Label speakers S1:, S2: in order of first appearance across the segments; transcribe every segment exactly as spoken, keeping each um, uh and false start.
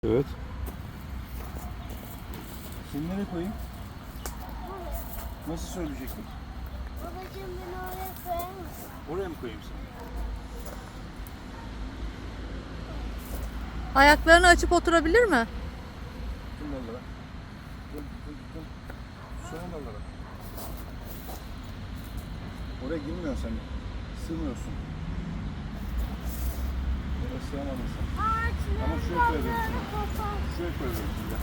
S1: Evet.
S2: Seni nereye koyayım? Nasıl söyleyecektim?
S3: Babacığım beni oraya koyar mısın?
S2: Oraya mı koyayım seni?
S4: Ayaklarını açıp oturabilir mi?
S2: Tüm dallara. Tüm tüm tüm. Son dallara. Oraya girmiyorsun sen. Sığmıyorsun. Oraya sığamadın sen.
S3: Ağaçların
S2: Ama şuraya koyabilirim
S3: dallarını
S2: seni.
S3: kopar.
S2: Şuraya koyabilirim şimdi.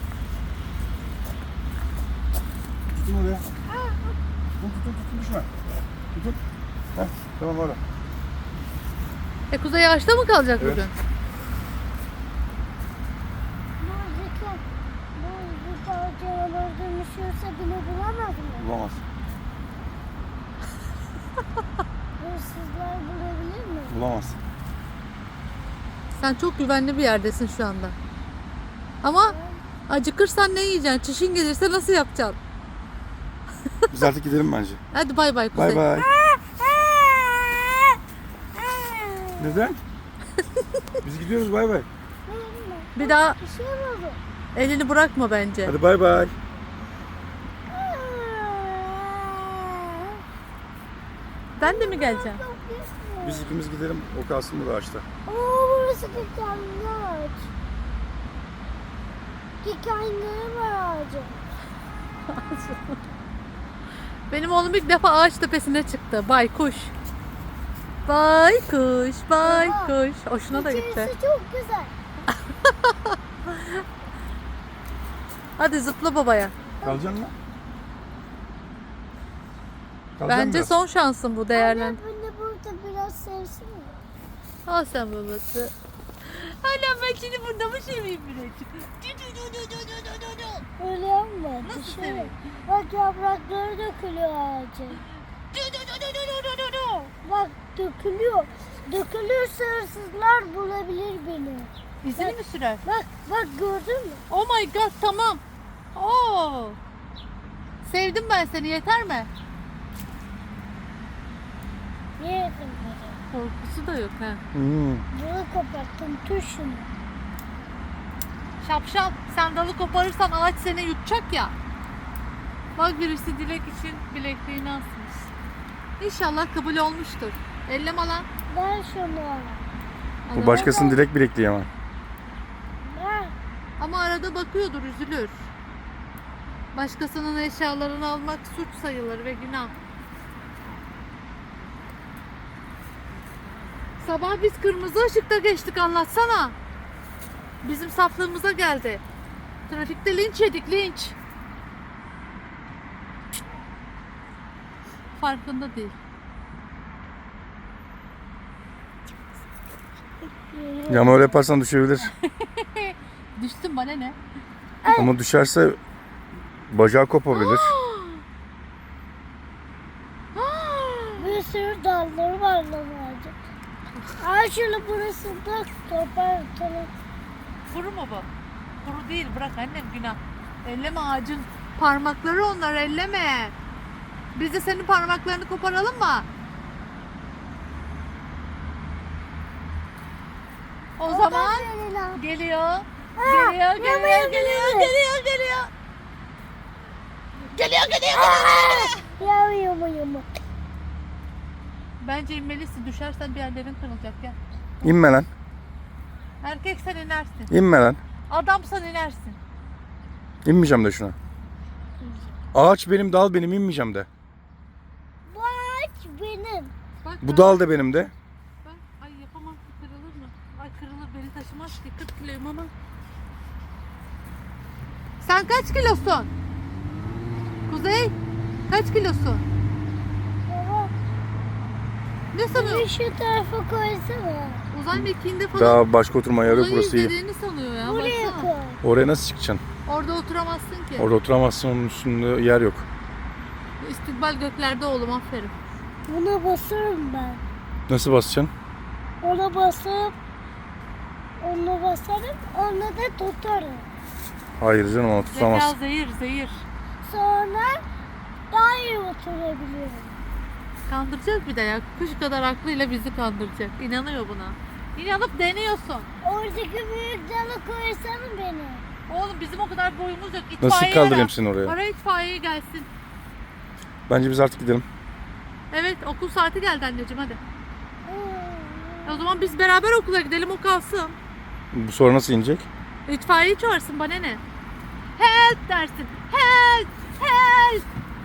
S2: Tutun oraya. Tutun tutun tutun düşme. Tutun. Heh, tamam orada.
S4: E Kuzey ağaçta mı kalacak
S2: Evet.
S4: bugün?
S3: Buradaki, bu canavar dönüşüyorsa beni bulamaz mı?
S2: Bulamaz.
S3: Hırsızlar bulabilir mi?
S2: Bulamaz.
S4: Sen çok güvenli bir yerdesin şu anda. Ama acıkırsan ne yiyeceksin? Çişin gelirse nasıl yapacaksın?
S2: Biz artık gidelim bence.
S4: Hadi bay bay Kuzey.
S2: Bay bay. Neden? Biz gidiyoruz bay bay.
S4: Bir daha
S3: Bir şey oldu.
S4: elini bırakma bence.
S2: Hadi bay bay.
S4: Ben de mi geleceğim?
S3: Çok güzel.
S2: Biz ikimiz gidelim. O kalsın burada ağaçta.
S3: Oo, burası dikenli ağaç. Dikenleri var ağacın.
S4: Benim oğlum ilk defa ağaç tepesine çıktı. Baykuş. Baykuş, baykuş. Hoşuna da gitti.
S3: İçerisi çok güzel.
S4: Hadi zıpla babaya.
S2: Kalacaksın mı? Kalacaksın
S4: Bence
S2: biraz.
S4: son şansın bu değerlen.
S3: Anne beni burada biraz sevsin mi?
S4: Al sen babası. Annem ben seni burada mı seveyim birazcık?
S3: Öyle yapma.
S4: Nasıl
S3: Düşün.
S4: seveyim?
S3: Bak yaprakları dökülüyor ağacın. Bak dökülüyor. Dökülürse hırsızlar bulabilir beni.
S4: İzini mi sürer?
S3: Bak bak gördün mü?
S4: Oh my god tamam. Oo. Sevdim ben seni yeter mi?
S3: Niye yapın böyle?
S4: Korkusu da yok ha.
S2: Hmm.
S3: Bunu koparttım. Tut şunu.
S4: Şapşal sen dalı koparırsan ağaç seni yutacak ya. Bak birisi dilek için bilekliğini asmış. İnşallah kabul olmuştur. Elleme lan.
S3: Ver şunu.
S2: Bu başkasının direkt bilekliği ama.
S3: Ver.
S4: Ama arada bakıyordur, üzülür. Başkasının eşyalarını almak suç sayılır ve günah. Sabah biz kırmızı ışıkta geçtik, anlatsana. Bizim saflığımıza geldi. Trafikte linç yedik, linç. Farkında değil.
S2: Ya ama öyle yaparsan düşebilir.
S4: Düştüm, bana ne?
S2: Ama düşerse bacağı kopabilir.
S3: Bir sürü dalları var lan ağacın. Ay şunu burasında kopartalım.
S4: Kuru mu bu? Kuru değil, bırak annem, günah. Elleme ağacın parmakları onlar, elleme. Biz de senin parmaklarını koparalım mı? O zaman
S3: Geliyor.
S4: geliyor. Geliyor, geliyor,
S3: yama,
S4: geliyor,
S3: yama,
S4: geliyor,
S3: yama.
S4: geliyor, geliyor. Geliyor, geliyor, geliyor.
S3: Ya yama yama.
S4: Bence inmelisin, düşersen bir yerlerin kırılacak ya.
S2: İnme lan.
S4: Erkeksen inersin.
S2: İnme lan.
S4: Adamsan inersin.
S2: İnmeyeceğim de şuna. Ağaç benim, dal benim, inmeyeceğim de.
S3: Bu ağaç benim.
S4: Bak,
S2: Bu
S4: bak,
S2: dal da benim de.
S4: bak. Ay yapamam ki, kırılır mı? Ay kırılır, beni taşımaz ki, kırk kiloyum ama. Sen kaç kilosun? Kuzey, kaç kilosun?
S3: Baba
S4: Ne
S3: bir
S4: sanıyor?
S3: şu tarafa koysana.
S4: Uzay mekiğinde falan
S2: Daha başka oturma yeri yok,
S4: uzayı
S2: burası iyi.
S4: izlediğini sanıyor ya.
S3: Buraya
S4: baksana.
S3: koy.
S2: Oraya nasıl çıkacaksın?
S4: Orada oturamazsın ki.
S2: Orada oturamazsın, onun üstünde yer yok.
S4: İstikbal göklerde oğlum, aferin.
S3: Buna basarım ben.
S2: Nasıl basacaksın?
S3: Ona basıp onu basarım, onu da tutarım.
S2: Hayır canım, onu
S4: Zeka
S2: tutamazsın.
S4: zehir, zehir.
S3: Sonra daha iyi oturabilirim.
S4: Kandıracak bir de ya. Kuş kadar aklıyla bizi kandıracak. İnanıyor buna. İnanıp deniyorsun.
S3: Oradaki büyük dalı koysana beni.
S4: Oğlum bizim o kadar boyumuz yok. İtfaiye
S2: Nasıl kaldırayım
S4: ara.
S2: seni oraya?
S4: Ara itfaiye gelsin.
S2: Bence biz artık gidelim.
S4: Evet okul saati geldi anneciğim hadi. O zaman biz beraber okula gidelim o kalsın.
S2: Bu sonra nasıl inecek?
S4: İtfaiye çağırsın bana ne? Help dersin. Help! Help!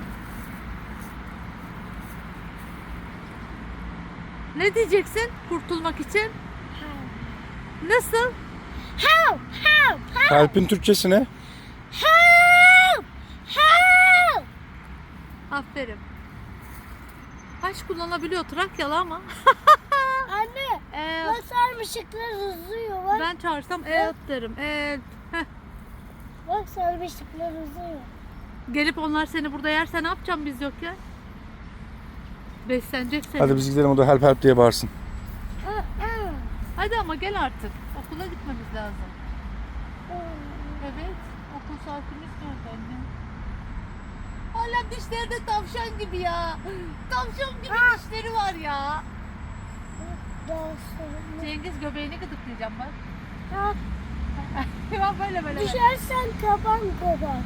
S4: Ne diyeceksin kurtulmak için? Nasıl?
S3: Help! Help! Help!
S2: Help'in Türkçesi ne?
S3: Help! Help!
S4: Aferin. Haç kullanabiliyor Trakyalı ama.
S3: Anne,
S4: Ee,
S3: bak sarmışıklar uzuyor. Bak,
S4: ben çağırsam help derim. Help. Heh.
S3: bak sarmışıklar uzuyor.
S4: Gelip onlar seni burada yerse ne yapacağım biz yokken? Beslenecek seni.
S2: Hadi biz gidelim, o da help help diye bağırsın.
S3: Aa, aa.
S4: Hadi ama gel artık. Okula gitmemiz lazım. Evet. Okul saatimiz geldi anne. Hala dişleri de tavşan gibi ya. Tavşan gibi dişleri var ya.
S3: Daha sonra.
S4: Cengiz göbeğini gıdıklayacağım bak.
S3: Ya,
S4: Bak böyle böyle.
S3: düşersen kaban kaban.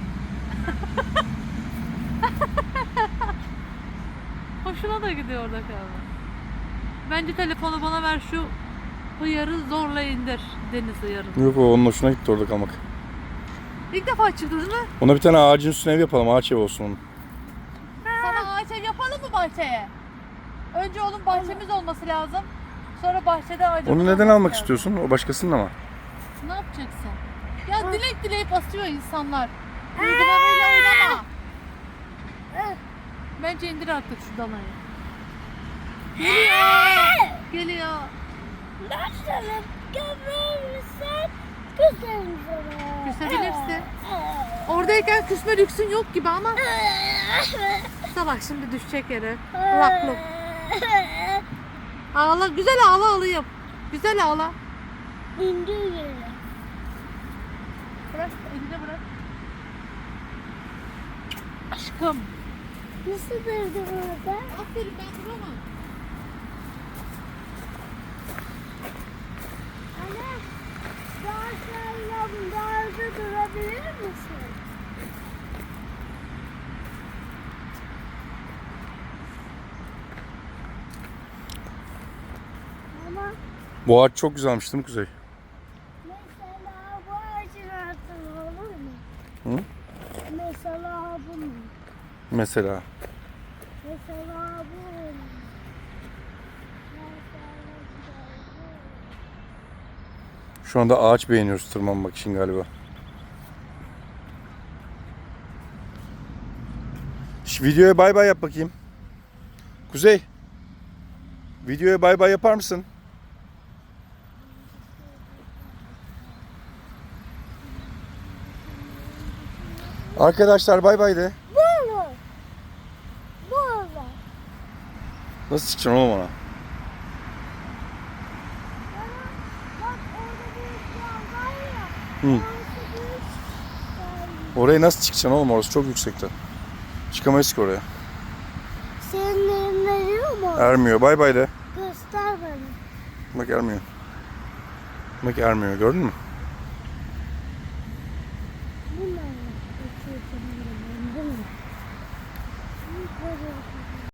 S4: Hoşuna da gidiyor orada kaldı. Bence telefonu bana ver, şu hıyarı zorla indir. Deniz hıyarı.
S2: Yok, o onun hoşuna gitti orada kalmak.
S4: İlk defa çıktı değil mi?
S2: Ona bir tane ağacın üstüne ev yapalım. Ağaç ev olsun onun.
S4: Sana ağaç ev yapalım mı bahçeye? Önce onun bahçemiz olması lazım. Sonra bahçede ağacımız
S2: Onu neden
S4: olması
S2: almak
S4: lazım.
S2: istiyorsun? O başkasının ama.
S4: Ne yapacaksın? Ya dilek dileyip asıyor insanlar. Duygularıyla oynama. Bence indir artık şu danayı. Geliyor. Geliyor.
S3: Nasıl gömerirsen güzelim sana.
S4: Küsebilirsin. Oradayken küsme lüksün yok gibi ama. Salak şimdi düşecek yere. Lak lok. Ağla, güzel ağla alayım. Güzel ağla.
S3: İndir yere.
S4: Bırak, elini bırak. Aşkım.
S3: Nasıl durdu burada?
S4: Aferin, ben duramam.
S3: Anne, daha sen yanlarda durabilir misin? Ama
S2: Bu ağaç çok güzelmiş değil mi Kuzey?
S3: mesela bu ağacın altında olur mu?
S2: Hı?
S3: Mesela bu mu?
S2: Mesela.
S3: Mesela bu mu? Mesela bu.
S2: Şu anda ağaç beğeniyoruz tırmanmak için galiba. Şu videoya bay bay yap bakayım. Kuzey. Videoya bay bay yapar mısın? Arkadaşlar bay bay de.
S3: Bu mu? Bu mu?
S2: Nasıl çıkacaksın oğlum ona?
S3: Bak orada büyük yol var ya.
S2: Hı.
S3: Orası büyük yol.
S2: Oraya nasıl çıkacaksın oğlum? Orası çok yüksekte. Çıkamayız ki oraya.
S3: Senin elin eriyor mu?
S2: Ermiyor. Bay bay de.
S3: Göster bana.
S2: Bak ermiyor. Bak ermiyor. Gördün mü?